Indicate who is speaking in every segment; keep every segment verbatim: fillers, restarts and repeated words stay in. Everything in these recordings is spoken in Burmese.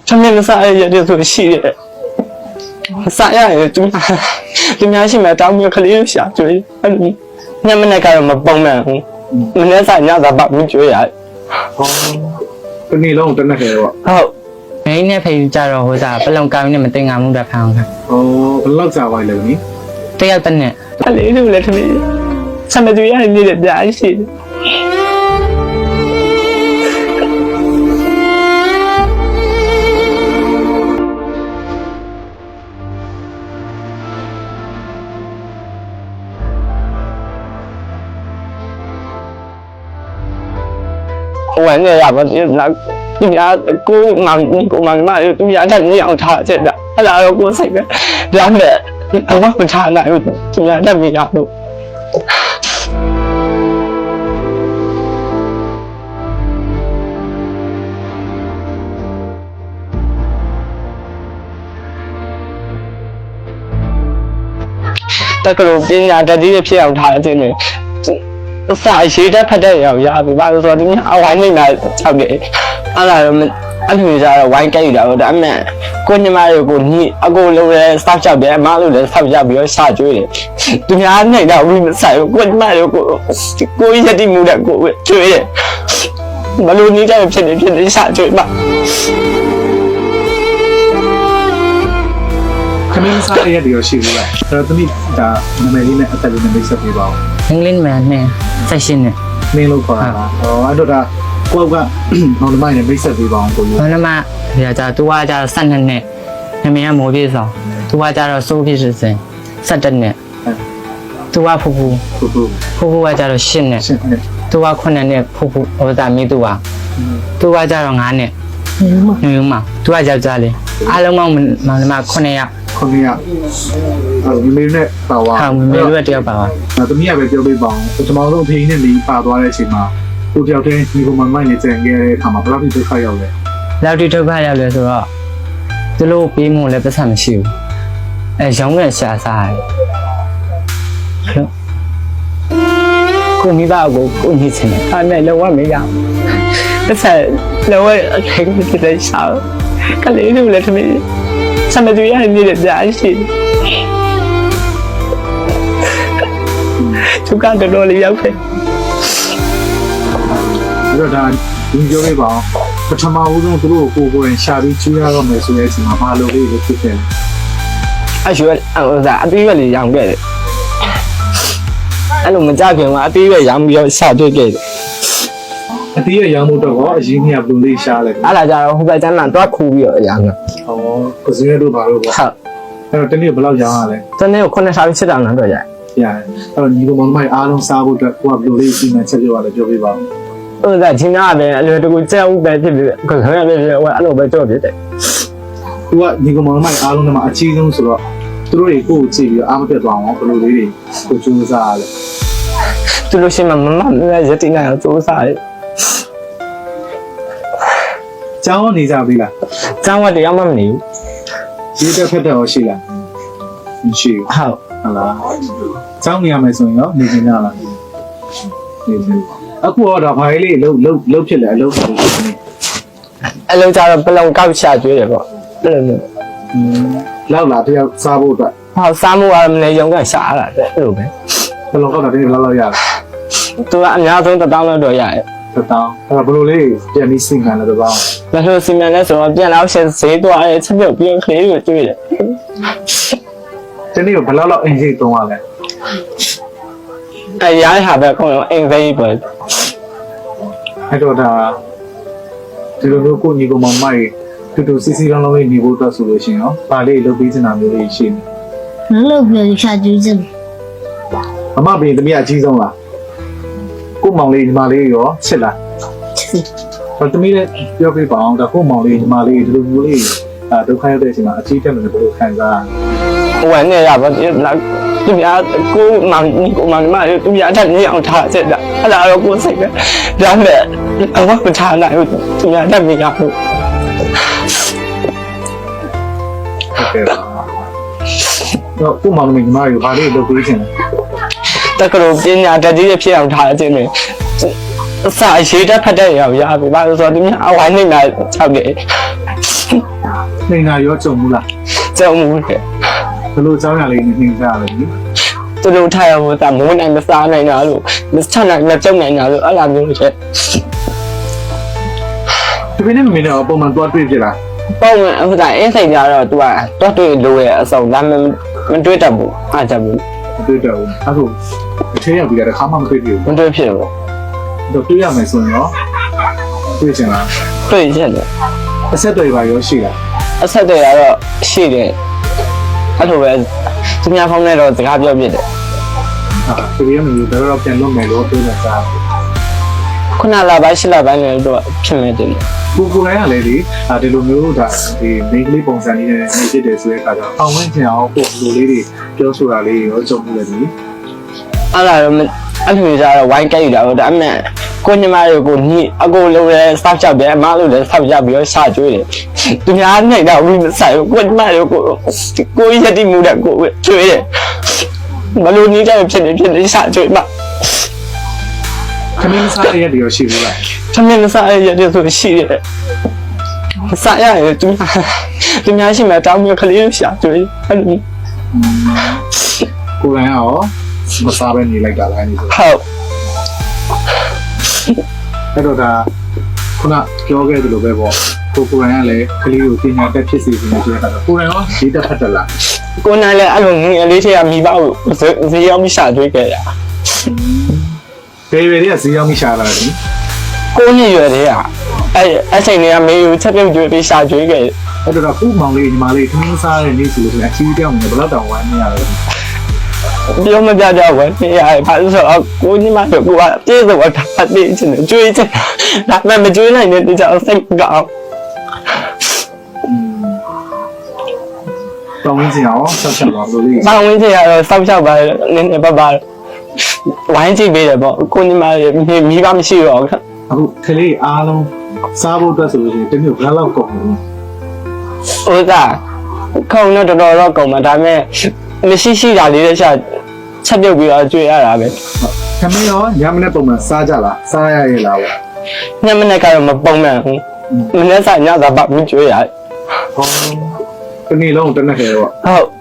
Speaker 1: 他们那啥也就是系列，啥样也就就များရှိမှတောင်းပြီးခလေးရှာကျွေးအဲ့လိုညမနေ့ကတော့မပုံမှန်ဘူးမနေ့စာညသာပတ်ပြီးကျွေးရ
Speaker 2: ဟောတနေ့လုံးတနက်ခဲတော့
Speaker 1: ဟုတ်
Speaker 3: မင်းနဲ့ဖေးကြတော့ဟိုစားပလုံကောင်းနဲ့မတင်ငါမှုတော့ဖအောင်ခါ
Speaker 2: ဟောဘယ်လောက်ကြာပါလဲနိ
Speaker 3: တယောက်တစ်နဲ့
Speaker 1: ခလေးတို့လည်းတမီးဆမ်မတူရနေတဲ့ပြားရှိတယ်วันนี้อยากมาที่นักตุยากูงานกูงานมาตุยาท่านนี่เอาท่าเสร็จแล้วถ้าเรากูใส่ก็ร้านแบบเอาว่ามันชาไหนตุยาท่านมีอยากดูแต่ก็รู้ปัญญาแต่ที่จะเพียงท่าจริงเลยสายชีวิตพัฒนาอย่างยากไปบ้างส่วนนี้เอาไว้ไม่นานชาวเด็กอะไรมันอันนี้จะไว้ใกล้แล้วแต่แม่กูนี่มาอยู่กูนี่อากูรู้เลยทราบชาวเด็กมารู้เลยทราบชาวเด็กชาจุ้ยเลยตุยาเนี่ยเราวิ่งใส่กูนี่มาอยู่กูกูยังที่มูเด็กกูจุ้ยเลยมารู้นี้จะเป็นเพี้ยนเพี้ยนชาจุ้ยบ้าง
Speaker 2: ခမင်းစားရတဲ့ရရှိဘူးလားအဲ့တော့တမိဒါနာမည်လေးနဲ့အသက်လေးနဲ့မိတ်ဆက်ပေးပါဦး
Speaker 3: အင်္ဂလိပ်မှာနဲ့ဆက်ရှင်းနဲ့
Speaker 2: မင်းလို့ခေါ်တာဟောအဲ့တော့ဒါကိုကမောင်နှမနဲ့မိတ်ဆက်ပေးပါအောင်ကိုကြီး
Speaker 3: မောင်နှမဒီကကြသူကကြဆယ်နှစ်နဲ့နမည်ကမိုးပြေဆောင်သူကကြတော့စိုးဖြစ်စင်ဆယ်တစ်နဲ့သူကဖူဖူ
Speaker 2: ဖူဖူ
Speaker 3: ဖူဖူကကြတော့ရှစ်နဲ့
Speaker 2: ရှစ်နဲ့
Speaker 3: သူကခုနှစ်နဲ့ဖူဖူဟိုသားမိသူကသူကကြတော့ငါးနဲ့ညူမသူကယောက်ျားလေးအားလုံးမောင်မောင်နှမခုနှစ်ယောက်
Speaker 2: ခုနှစ်ယောက်အဲ့မမေနဲ့ပါသွား
Speaker 3: ဟာမမေတို့တယောက်ပါပါ
Speaker 2: ဒါတမီးကပဲပြောပေးပါအောင်ပထမဆုံးအဖေနဲ့နေပါသွားတဲ့အချိန်မှာကိုတယောက်တည်းဒီကောင်မမိုင်းနဲ့ကြံခဲ့တဲ့အခါမှာဘယ်လောက်ထိဒုက္ခရောက်လဲ
Speaker 3: လောက်ထိဒုက္ခရောက်လဲဆိုတော့သူတို့ပေးမှုလည်းပတ်သက်မရှိဘူးအဲရောင်းနဲ့ရှာစားတယ်ကိုမိဘကိုကိုညစ်ချင်တယ်အဲ့နဲ့လောကမရဘူးတစ်ဆက်လောကအခိုင်အမာဖြစ်တဲ့ရှာကလေးတို့လည်းတမီးဆမ်မတူရနေတဲ့ပြားရှိသူကတော့တော်လေးရောက်ခဲ့
Speaker 2: အဲ့တော့ဒါဒီပြောပေးပါအောင်ပထမဦးဆုံးသူတို့ကိုကိုယ်ကိုယ်ရှာပြီးချူရတော့မယ်ဆိုတဲ့အချိန်မှာဘာလို့လေးလို့ဖြစ်ခဲ့လဲ
Speaker 1: အရွယ်ဟိုစားအသေးပဲလေးရောင်ခဲ့တယ်အဲ့လိုမကြခင်ကအသေးပဲရောင်ပြီးတော့ရှာတွေ့ခဲ့တယ်
Speaker 2: အသေးရရောင်မှုတော့အရင်ကဘယ်လိုလေးရှားလဲ
Speaker 1: အဲ့ဒါကြတော့ဟိုဘက်ကျမ်းမှာတွားခူပြီးတော့ရောင်တာ
Speaker 2: ဟောကိုစင်းရတို့ဘာလို့ပေါ့
Speaker 1: ဟုတ်
Speaker 2: အဲ့တော့တနေ့ဘယ်လောက်ရောင်ရလဲ
Speaker 1: တနေ့ကိုခုနှစ်ဆာပြီးစစ်တောင်တော့ရတယ်
Speaker 2: ရတယ်အဲ့တော့ညီကောင်မမိုင်အားလုံးစားဖို့အတွက်ကိုကဘယ်လိုလေးစီမံချက်ပြောရလဲပြောပြပါဦး
Speaker 1: ဟိုစားချင်းသားပဲအလွယ်တကူကြောက်ဥပဲဖြစ်ပြီးခခရပဲဖြစ်ဟိုအဲ့လိုပဲကြောက်ဖြစ်တယ်
Speaker 2: သူကညီကောင်မမိုင်အားလုံးကမှအချီးဆုံးဆိုတော့သူတို့တွေကိုကိုကြည့်ပြီးအားမပြတ်သွားအောင်ဘယ်လိုလေးတွေကိုကြိုးစားရလဲ
Speaker 1: သူလို့ရှိမှမမလည်းရတိနိုင်အောင်ကြိုးစားတယ်
Speaker 2: ကျောင်းနေကြပြီလား
Speaker 1: ကျောင်းကတရားမှမနေဘူး
Speaker 2: ရေးတက်ဖက်တော့ရှိလားမရှိဘူး
Speaker 1: ဟုတ်
Speaker 2: ဟုတ်လားကျောင်းနေရမယ်ဆိုရင်ရောနေနေကြလားနေနေအခုတော့ဘာလေးလှုပ်လှုပ်လှုပ်ဖြစ်လဲအလုပ်ဆိုနေ
Speaker 1: အလုံးကြတော့ပလုံကောက်ရှာကျွေးတယ်ပေါ့အဲ့လိုမျိုး
Speaker 2: လောက်လာတယောက်စားဖို့အတွက်
Speaker 1: ဟောစားမှုကမနေရုံကရှာရတာတဲ့အဲ့လိုပဲ
Speaker 2: ဘယ်လိုကောက်တာဒီလောက်လောက်ရလဲ
Speaker 1: သူကအများဆုံးတစ်တောင်းလောက်တော့ရတယ်
Speaker 2: တစ်တောင်းအဲ့ဘယ်လိုလေးပြန်ပြီးစီမံလဲတစ်တောင်း
Speaker 1: ဘယ်လိုစီမံလဲဆိုတော့ပြန်တော့ရှင်းဈေးသွားရဲချက်ပြုတ်ပြီးခလေးကိုကျွေးတယ်
Speaker 2: ဒီနေ့ဘယ်လောက်လောက်အင်ဂျင်တုံးရလဲ
Speaker 1: အဲရိုင်းဟာပဲခုံးအင်ဖေးပဲ
Speaker 2: အဲ့တော့ဒါဒီလိုမျိုးကိုညီကောင်မမိုက်တူတူစီစီလောင်းလောင်းလေးနေဖို့အတွက်ဆိုလို့ရှိရင်ရောပါလေးလုပ်ပြီးစင်တာမျိုးလေးရှိ
Speaker 4: နေလုံးလုံးပြောရှာကျူးစင်
Speaker 2: အမဘင်းတမီးအကြီးဆုံးလားကိုမောင်လေးညီမလေးရောချစ်လား
Speaker 4: ချစ်
Speaker 2: ဟောတမီးလည်းပြောပြပါအောင်ဒါကိုမောင်လေးညီမလေးဒီလိုမျိုးလေးအဲဒုက္ခရောက်တဲ့အချိန်မှာအကြီးတက်တယ်ဘယ်လိုခံစား
Speaker 1: ဟိုကနေရပါဒီနောက်သူများကိုမောင်ကိုမောင်မလေးသူများထက်ညအောင်ထားချက်တာအဲ့ဒါတော့ကိုစိတ်ပဲဒါမဲ့အဝတ်မထားနိုင်ဘူးသူများတက်မရဘူး
Speaker 2: ဟုတ်ကဲ့ပါတော့ကိုမောင်လေးညီမလေးဘာလေးလုပ်ပေးချင်လဲ
Speaker 1: တက္ကသိုလ်ပညာတတ်ကြီးဖြစ်အောင်ထားခြင်းတွေစာရေးတတ်ဖတ်တဲ့ရောက်ရပြီဘာလို့ဆိုတော့ဒီများအဝိုင်းနေတာ၆နှစ်
Speaker 2: နေတာရောကြုံဘူးလား
Speaker 1: ကြောက်မှုတယ်
Speaker 2: ဘယ်လိုအကြောင်းအရာလေးနဲ့နှိမ့်ကြရလဲနိ
Speaker 1: သူတို့ထားရဖို့တာမိုးနိုင်မစားနိုင်တာလို့မချနိုင်မကြောက်နိုင်တာလို့အဲ့လိုမျိုးတွေ
Speaker 2: ဒီနေ့မင်းတော့ပုံမှန်သွားတွေ့ဖြစ်လား
Speaker 1: ပုံမှန်ဟိုတာအင်းစိတ်ကြတော့ तू ကတော့တွေ့လို့ရအစုံဒါမှမတွေ့တတ်ဘူးအားကြဘူး
Speaker 2: မတွေ့တော့ဘူးအခုအထဲရောက်ပြီးတော့ခါမှမတွေ့ဘူး
Speaker 1: မတွေ့ဖြစ်ဘူး
Speaker 2: တော့တွေ့ရမယ်ဆိုရင်ရောတွေ့ချင်လား
Speaker 1: တွေ့ချက်တယ်
Speaker 2: အဆက်တွေပါရောရှိလား
Speaker 1: အဆက်တွေကတော့ရှိတယ်အဲ့လိုပဲသူများဖုန်းနဲ့တော့စကားပြောပြတယ်
Speaker 2: ဟာဒီရမျိုးတော့ပြန်လုပ်မယ်လို့ပြောနေတာ
Speaker 1: ခုနလာပိုင်းရှစ်လပိုင်းလည်းတော့ဖြစ်နေတယ်
Speaker 2: ကိုကိုလိုင်းကလည်းဒီဒီလိုမျိုးဒါဒီ main ကလေးပုံစံလေးနဲ့နေဖြစ်တယ်ဆိုတဲ့အခါကျတော့အောင်ဝင်ချင်အောင်ပို့လိုလေးတွေပြောဆိုတာလေးရောကြုံမှုလည်းဒီ
Speaker 1: အဲ့ဒါတော့အဲ့လိုကြတော့ဝိုင်းကြိုက်တာတော့ဒါအမှန်ကိုညီမတွေကိုညီအကိုလိုလဲစောက်ချပဲအမလိုလဲစောက်ချပြီးတော့ရှာကျွေးတယ်သူများနိုင်တော့ဘူးမဆိုင်ဘူးကိုညီမတွေကိုကိုရတိမှုတဲ့ကိုကျွေးတယ်မလို့နီးတယ်ဖြစ်နေဖြစ်နေရှာကျွေးမှာ
Speaker 2: ခမင်းစားရတဲ့ရောရှိဘူးလား
Speaker 1: သမင်းမစားရတဲ့ဆိုရှိတယ်မစားရရင်သူများသူများရှိမှတောင်းပြီးခလေးရှာကျွေးအဲ့လို
Speaker 2: ကိုလိုင်းရောမစားပဲနေလိုက်တာလားနေဆို
Speaker 1: ဟုတ်
Speaker 2: အဲ့တော့ဒါခုနပြောခဲ့သလိုပဲပေါ့ကိုကိုလိုင်းကလည်းကလေးကိုပညာတတ်ဖြစ်စေခြင်းနဲ့ဆိုတဲ့အခါကျတော့ကိုလိုင်းရောဒီတက်ဖတ်တယ်လား
Speaker 1: ကိုနိုင်လည်းအဲ့လိုငယ်လေးတွေကမိဘကိုဈေးရောက်ပြီးရှာကျွေးခဲ့ရ
Speaker 2: ဘယ်ဘယ်တွေကဈေးရောက်မိရှာလာတယ်
Speaker 1: ကိုနှစ်ရွယ်တွေကအဲ့အချိန်တွေကမေကိုချက်ပြုတ်ကျွေးပြီးရှာကျွေးခဲ့
Speaker 2: အဲ့တော့ခုမောင်လေးညီမလေးခမင်းစားတဲ့နေ့ဆိုလို့ဆိုရင်အချီးတောင်းနေဘယ်တော့တောင်ဝမ်းနေရလဲ
Speaker 1: ပြောမပြကြဘူးနေရတယ်ဘာလို့ဆိုတော့ကိုညီမတို့ကပြေးဆုံးတာအတေးချင်တယ်ကျွေးချင်တာဒါမှမကျွေးနိုင်တဲ့တခြားစိတ်ကောင်း
Speaker 2: တောင်းရင်းစီအောင်ဆက်ချက်ပါလို့လေး
Speaker 1: ။ဘောင်ဝင်းကြီးကတော့စောက်ရှောက်ပါနည်းနည်းပါပါဝိုင်းကြည့်ပေးတယ်ပေါ့ကိုညီမမိဘမရှိတော့
Speaker 2: အခုကလေးအားလုံးစားဖို့အတွက်ဆိုလို့ရှိရင်တမျိုးဘယ်လောက်ကုန်လဲ
Speaker 1: ဥစားခုံတော့တော်တော်တော့ကုန်မှာဒါပေမဲ့မရှိရှိတာလေးတခြားချက်ပြုတ်ပြီးတော့ကျွေးရတာပဲ
Speaker 2: ခမင်းရောညမနေ့ပုံမှန်စားကြလားစားရရဲ့လားပေါ့
Speaker 1: ညမနေ့ကတော့မပုံမှန်ဘူးမနေ့ကညသာပါမကျွေးရတယ်
Speaker 2: ဟောတနေ့လုံးတနက်ခဲတော့
Speaker 1: ဟုတ်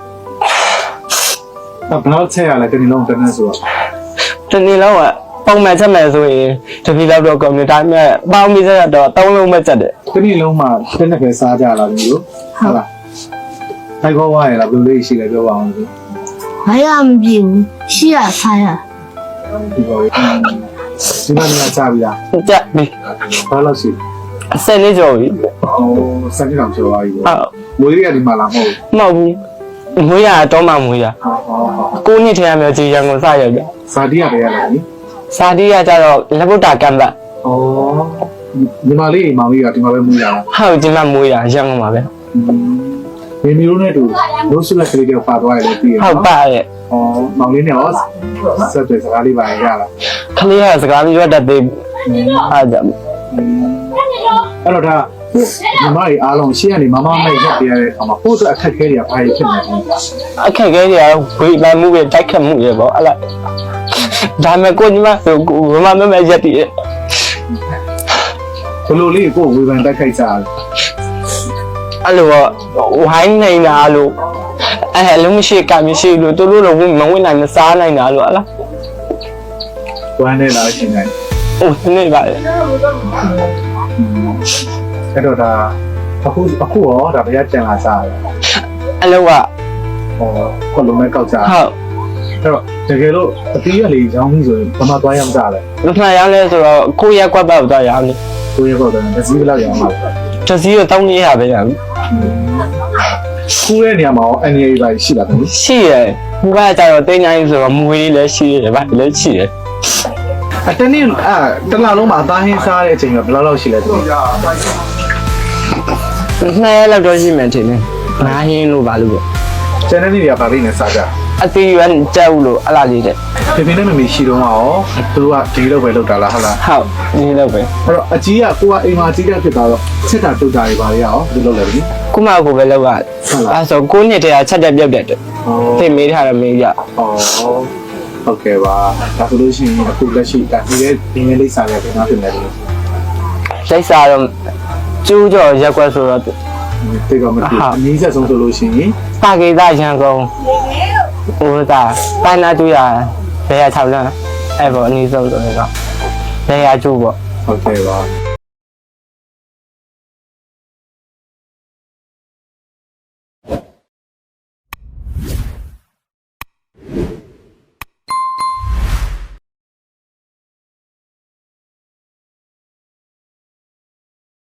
Speaker 2: ဘယ်လောက်ချက်ရလဲတနေ့လုံးတနက်ဆိုတော့
Speaker 1: ဒီနေ့တော့ပုံမှန်ချက်မယ်ဆိုရင်တပီလောက်တော့ကုန်တယ်ဒါပေမဲ့ပေါင်းပြီးစတော့သုံးလုံးပဲချက်တယ်
Speaker 2: တနေ့လုံးမှတနက်ခဲစားကြလားမျိုးဟုတ်လားထိုက်ခေါ်ဝါရလားဘယ်လိုလေးရှိလဲပြောပါအောင်လို့
Speaker 4: ဘာရမပြေဘူးရှိရဆိုင်ရ
Speaker 2: ဒီပေါ်ဒီမှာနေရာချပြီလား
Speaker 1: ချက်ပြီး
Speaker 2: ဘာလို့ရှိ
Speaker 1: အစက်လေးကြော်ပြီ
Speaker 2: ဟိုစက်ကြောင်ပြောပါပြီ
Speaker 1: ဟုတ်
Speaker 2: မွေးရဒီမှာလားမဟုတ်
Speaker 1: မဟုတ်ဘူးမွေးရတော့မှမွေးရ
Speaker 2: ဟောဟောဟော
Speaker 1: ကိုနှစ်ထဲမျိုးကြီးရန်ကုန်စရောက်ကြ
Speaker 2: ဇာတိရပဲရလားနိ
Speaker 1: စာတီးရကြတော့လက်ဗုဒ္ဓကံပတ်
Speaker 2: ဩညီမလေးမောင်လေးကဒီမှာပဲမွေးရအောင်
Speaker 1: ဟုတ်ဒီမှာမွေးရရန်ကုန်မှာပဲ
Speaker 2: မိမိတို့နဲ့တူလို့ဆုလက်ကလေးတွေပါသွားရတယ်ပြီးရ
Speaker 1: ဟုတ်ပါရဲ့
Speaker 2: ဩမောင်လေးနဲ့ရောဆက်တဲ့စကားလေးပါရလား
Speaker 1: ခလေးကစကားပြောတတ်သေးအားကြောင့်
Speaker 2: အဲ့တော့ဒါညီမလေးအားလုံးရှေ့ကနေမမမဲ့ရက်ပြရတဲ့အခါမှာပို့တဲ့အခက်ခဲတွေကဘာတွေဖြစ်နေလဲ
Speaker 1: အခက်အခဲတွေကဝေးမှမှုပဲတိုက်ခတ်မှုတွေပေါ့အဲ့လားဒါမဲ့ကိုညီမဆိုကိုမမမမရက်တည်ရဲ့
Speaker 2: ဘလိုလေးကိုဝေဖန်တိုက်ခိုက်ကြတယ်
Speaker 1: အဲ့လိုဝိုင်းနေတာလို့အဲ့အလုံးမရှိကမရှိလို့တို့လို့တော့မဝင်နိုင်မစားနိုင်တာလို့ဟလား
Speaker 2: ဝမ်းနေလာရှင်နိုင်
Speaker 1: အိုးနေပါလေ
Speaker 2: အဲ့တော့ဒါအခုအခုရောဒါဘယ်ရကြံလာစားလဲ
Speaker 1: အလုံးက
Speaker 2: ဟောခွလုံးမဲ့ကောက်ကြ
Speaker 1: ဟုတ်
Speaker 2: အဲ့တော့တကယ်လို့အတီးရလေးရောင်းပြီးဆိုရင်ဘာမှသွားရမကြလဲ
Speaker 1: မမှန်ရလဲဆိုတော့ကိုရက်ကွက်ပတ်တော့ရအောင်
Speaker 2: ကိုရတော့တယ်တစ်စီးဘယ်လောက်ရောင်းမှာလဲ
Speaker 1: တစည်းတော့တောင်းနေရပဲရအောင်
Speaker 2: ခူးတဲ့နေရာမှာရော N A ပါရှိလားခင်ဗျ
Speaker 1: ရှိရယ်ဘုရားကြတော့တင်းတိုင်းဆိုတော့မွေးလေးလည်းရှိရတယ်ဗျလည်းရှိတယ်
Speaker 2: အတနေ့အဲတလားလုံးမှာအသားဟင်းစားတဲ့အချိန်ကဘယ်လောက်လောက်ရှိလဲသူ
Speaker 1: နှစ်ရက်လောက်တော့ရှိမှထင်တယ်ငါးဟင်းလို့ပါလို့ပေါ့
Speaker 2: ကျန်တဲ့နေ့တွေကဗာလေးနဲ့စားကြ
Speaker 1: အသေးရွယ်ကြောက်လို့အလားလေးတဲ့
Speaker 2: ဖေဖေနဲ့မမေရှိတော့မှာရောသူတို့ကဒီလောက်ပဲလောက်တာလားဟုတ်လား
Speaker 1: ဟုတ်ဒီလောက်ပဲ
Speaker 2: အဲ့တော့အကြီးကကိုကအိမ်မှာအကြီးကဖြစ်သွားတော့ချက်တာတုတ်တာတွေပါလေရောဒီလောက်လည်းပြီ
Speaker 1: ခုမှကိုပဲလောက်ကအဲဆိုကိုနှစ်တည်းကချက်တက်ပြုတ်တက်တယ်
Speaker 2: ဟော
Speaker 1: သိမေးထားတယ်မေးရ
Speaker 2: ဩဟုတ်ကဲ့ပါဒါဆိုလို့ရှိရင်အခုလက်ရှိဒါဒီရဲ့ဒီနေ့လိပ်စာရဲ့ပြန်ဖြစ်နေတယ်
Speaker 1: လိုက်စားတော့ကျိုးကြော်ရက်ွက်ဆိုတော့
Speaker 2: တိတ်ကမတွေ့အနည်းဆက်ဆုံးဆိုလို့ရှိရင်
Speaker 3: တာကေတာရန်ကုန်ဟိုတာပိုင်းနာတူရဘယ်ရ၆လမ်းအဲ့ပေါ်အနည်းဆုံးဆိုတော့ဘယ်ရကျိုးပေါ့
Speaker 2: ဟုတ်ကဲ့ပါ